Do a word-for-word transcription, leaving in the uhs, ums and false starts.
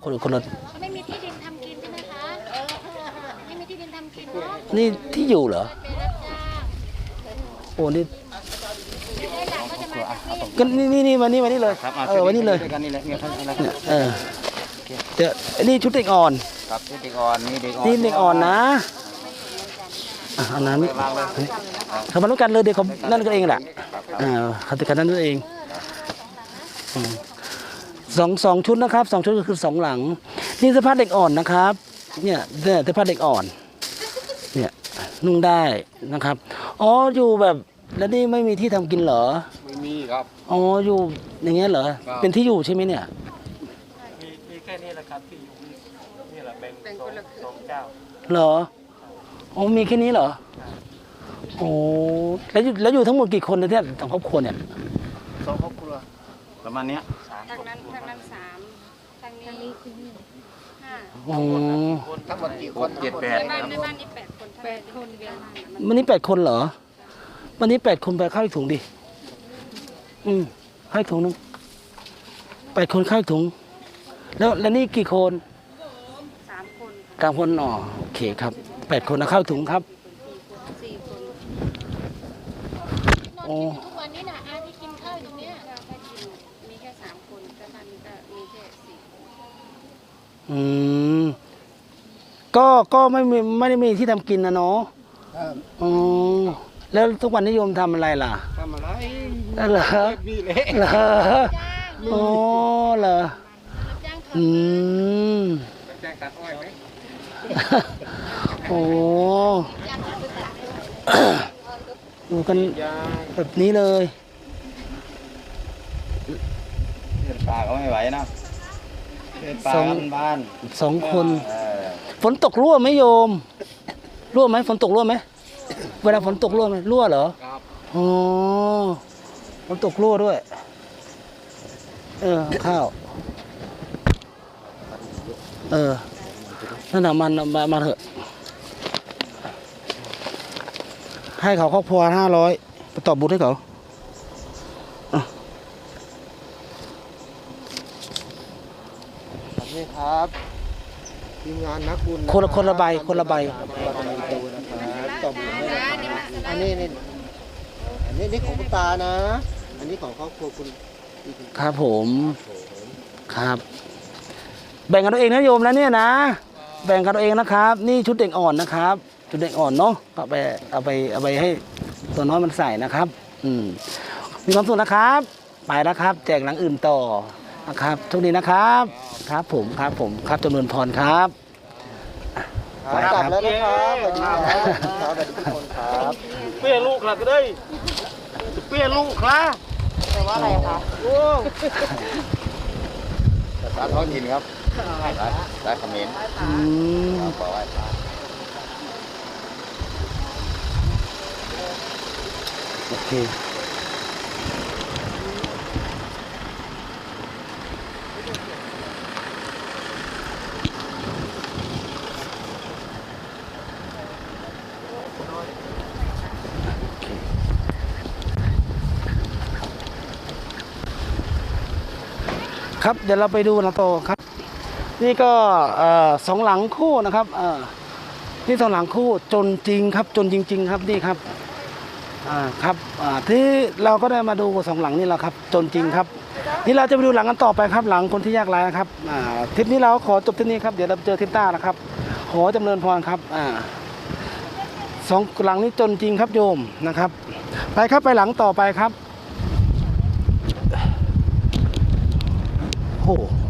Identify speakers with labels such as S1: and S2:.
S1: คนคนละ
S2: ไม่มีที่ดินทำกินใช่ไหมคะไม่มีที่ดินทำกินเนาะ
S1: นี่ที่อยู่เหรอ
S2: ไปรับจ้าง
S1: โอ้นี่
S2: ได้หลังก็จะมาจากนี่
S1: ก็นี่นี่นี่มานี่มานี่เลยเออวันนี้เลยเออเดี๋ยวนี่ชุดเด็กอ่อน
S3: ครับชุดเด็กอ่อนนี่เด็กอ่อน
S1: นี่เด็กอ่อนนะอันนั้นเขามาลุ้นกันเลยเด็กเขานั่นกันเองแหละอ่าเขาติดกันนั่นเองสองสองชุดนะครับสองชุดก็คือสองหลังนี่เสื้อผ้าเด็กอ่อนนะครับเนี่ยเนี่ยเสื้อผ้าเด็กอ่อนเนี่ยนุ่งได้นะครับอ๋ออยู่แบบแล้วนี่ไม่มีที่ทำกินเหรอ
S3: ไม่มีครับ
S1: อ๋ออยู่อย่างเงี้ยเหรอเป็นที่อยู่ใช่ไหมเนี่ย
S4: มีมีแค่นี้แหละครับที่อยู่นี่แหละแบ่งสองสองเจ้า
S1: เหรออ๋อมีแค่นี้เหรอโอ้แล้วอยู่แล้วอยู่ทั้งหมดกี่คนเนี่ยสองครอบครัวเนี่ย
S3: สองครอบครัวประมาณเนี้ย
S2: ทางนั้นทางนั้นสามทางนี้ห้า
S1: อ๋อ
S3: ทั้งหมดกี่คนเจ็ดแปด
S2: ในบ้านในบ้านนี่แปดคนแปดคนเดียว
S1: วันนี้แปดคนเหรอวันนี้แปดคนไปข้าวถุงดิอืมให้ถุงนึงแปดคนข้าวถุงแล้วแล้วนี่กี่คน
S2: สามคน
S1: สามคนอ๋อโอเคครับแปดคนนะข้าวถุงครับ
S2: สี่คน
S1: โอ้
S2: ทุกวันนี้นะอาที่กินข้าวตรงเนี้ยเราก็กินมีแค่สามคนแต่บ้านนี้ก็มีแค่สี่
S1: อืมก็ก็ไม่มีไม่ได้มีที่ทำกินนะเนาะอ๋อแล้วทุกวันนิยมทำอะไรล่ะ
S3: ทำอะไร
S1: เหรอเหรออ๋อเหรออืม
S3: แจ้งตัดอ้อยไหม
S1: โอ้ดูกันแบบนี้เลย
S3: เดินป่าก็ไม่ไหวนะเดินป่าบ้าน
S1: สองคนฝนตกรั่วไหมโยมรั่วไหมฝนตกรั่วไหมเวลาฝนตกรั่วไหมรั่วเหรอ
S3: ครับ
S1: อ๋อฝนตกรั่วด้วยเออข้าวเออนั่นน่ะมันมามาเถอะให้เขาครอบครัวห้าร้อยไปตอบบุญให้เขา
S3: นี่ครับทีมงานนักบุญ
S1: คนละคนละใบคนละใบ
S3: ตอบบุญอันนี้นี่อันนี้นี่ของคุณตานะอันนี้ของครอบครัวคุณ
S1: ครับผมครับแบ่งกันเอาเองนะโยมแล้วเนี่ยนะแบ่งกันเอาเองนะครับนี่ชุดเด็กอ่อนนะครับชุดเด็กอ่อนเนาะเอาไปเอาไปเอาไปให้ตัวน้อยมันใส่นะครับอืมมีความสุขนะครับไปแล้วครับแจกหลังอื่นต่อนะครับโชคดีนะครับครับผมครับผมครับจำนวนพรครับ
S3: ไปครับแล้วนะครับสวัสดีครับสวัสดีทุกคนครับ
S4: เปี้ยลูกหลักเลยเปี้ยลูกครับ
S2: แปลว่าอะไรคะ
S4: โอ้
S3: ภาษาท้องถิ่นครับได้คอมเมนต์ขอไหว้พระ
S1: โอเคครับเดี๋ยวเราไปดูนะโตครับนี่ก็สองหลังคู่นะครับนี่สองหลังคู่จนจริงครับจนจริงๆครับนี่ครับครับที่เราก็ได้มาดูสองหลังนี่แหละครับจนจริงครับนี่เราจะไปดูหลังกันต่อไปครับหลังคนที่ยากไร้นะครับทริปนี้เราขอจบที่นี่ครับเดี๋ยวเราเจอทริปหน้านะครับขอจำเริญพรครับสองหลังนี้จนจริงครับโยมนะครับไปครับไปหลังต่อไปครับโอ้